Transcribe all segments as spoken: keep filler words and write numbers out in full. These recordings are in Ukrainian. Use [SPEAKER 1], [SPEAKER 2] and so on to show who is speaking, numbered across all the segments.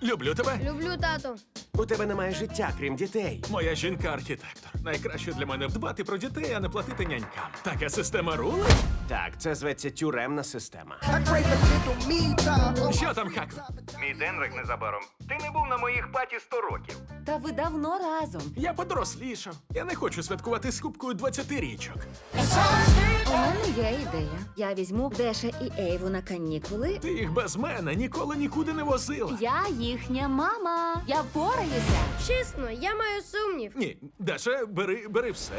[SPEAKER 1] Люблю тебе.
[SPEAKER 2] Люблю, тату.
[SPEAKER 3] У тебе немає життя, крім дітей.
[SPEAKER 1] Моя жінка-архітектор. Найкраще для мене дбати про дітей, а не платити нянькам. Така система рули?
[SPEAKER 3] Так, це зветься тюремна система.
[SPEAKER 1] Що там, Хак?
[SPEAKER 4] Мій Денрик незабаром. Ти не був на моїх паті сто років.
[SPEAKER 5] Та ви давно разом.
[SPEAKER 1] Я подорослішав. Я не хочу святкувати з кубкою двадцяти річок.
[SPEAKER 5] У мене є ідея. Я візьму Деша і Ейву на канікули.
[SPEAKER 1] Ти їх без мене ніколи нікуди не возила.
[SPEAKER 5] Я їхня мама. Я впораюся.
[SPEAKER 2] Чесно, я маю сумнів.
[SPEAKER 1] Ні, Даша, бери, бери все.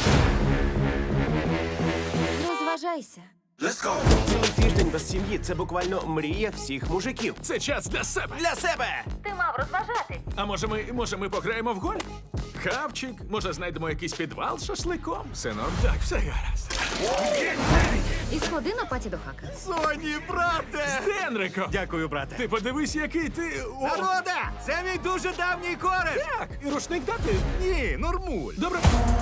[SPEAKER 5] Розважайся.
[SPEAKER 3] Цілий тиждень без сім'ї це буквально мрія всіх мужиків.
[SPEAKER 1] Це час для себе.
[SPEAKER 3] Для себе!
[SPEAKER 5] Ти мав розважатись.
[SPEAKER 1] А може ми, може ми пограємо в гольф? Хавчик, може знайдемо якийсь підвал з шашликом? Синок, так, все гаразд.
[SPEAKER 5] І сходи на паті до Хака.
[SPEAKER 1] Соні, брате! З Генриком!
[SPEAKER 4] Дякую, брате.
[SPEAKER 1] Ти подивись, який ти... О,
[SPEAKER 4] Народа! Це мій дуже давній кореш!
[SPEAKER 1] так! І рушник дати?
[SPEAKER 4] Ні, нормуль.
[SPEAKER 1] Добре.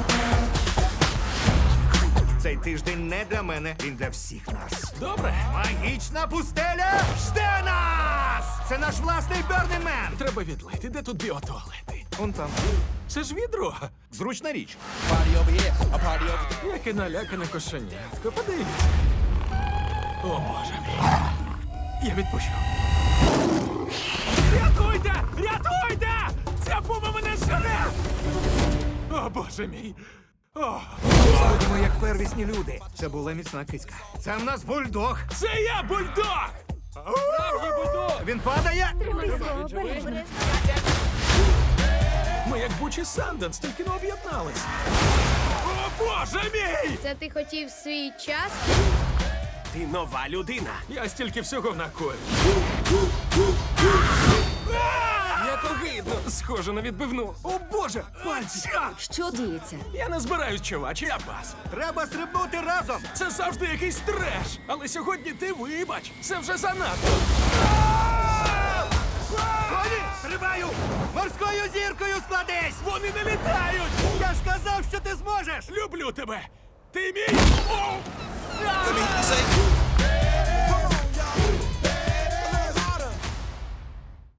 [SPEAKER 4] Цей тиждень не для мене, він для всіх нас.
[SPEAKER 1] Добре.
[SPEAKER 4] Магічна пустеля жде нас! Це наш власний Burning Man!
[SPEAKER 1] Треба відлити. Де тут біотуалети?
[SPEAKER 4] Он там.
[SPEAKER 1] Це ж відро.
[SPEAKER 4] Зручна річ.
[SPEAKER 1] Яке налякане кошенятко. Подивись. О, Боже мій. Я відпущу. Рятуйте! Рятуйте! Ця пума мене жене! О, Боже мій. О,
[SPEAKER 4] Будемо як первісні люди. Це була міцна кицька. Це в нас бульдог.
[SPEAKER 1] це я, бульдог!
[SPEAKER 4] Він падає.
[SPEAKER 1] Ми як Бучі Санденс, тільки не об'єдналися. О, Боже мій!
[SPEAKER 2] Це ти хотів свій час?
[SPEAKER 3] Ти нова людина.
[SPEAKER 1] Я стільки всього накоїв.
[SPEAKER 3] Як огидно. Схоже на відбивну.
[SPEAKER 1] О, Боже! Пальці!
[SPEAKER 5] Що діється?
[SPEAKER 1] Я не збираюсь, чувач, я пас.
[SPEAKER 4] Треба стрибнути разом.
[SPEAKER 1] Це завжди якийсь треш. Але сьогодні ти вибач. Це вже занадто.
[SPEAKER 4] Соні, стрибаю! Морською зіркою складись!
[SPEAKER 1] Вони не літають!
[SPEAKER 4] Я ж казав, що ти зможеш!
[SPEAKER 1] Люблю тебе! Ти мій! О!
[SPEAKER 6] Тобі цей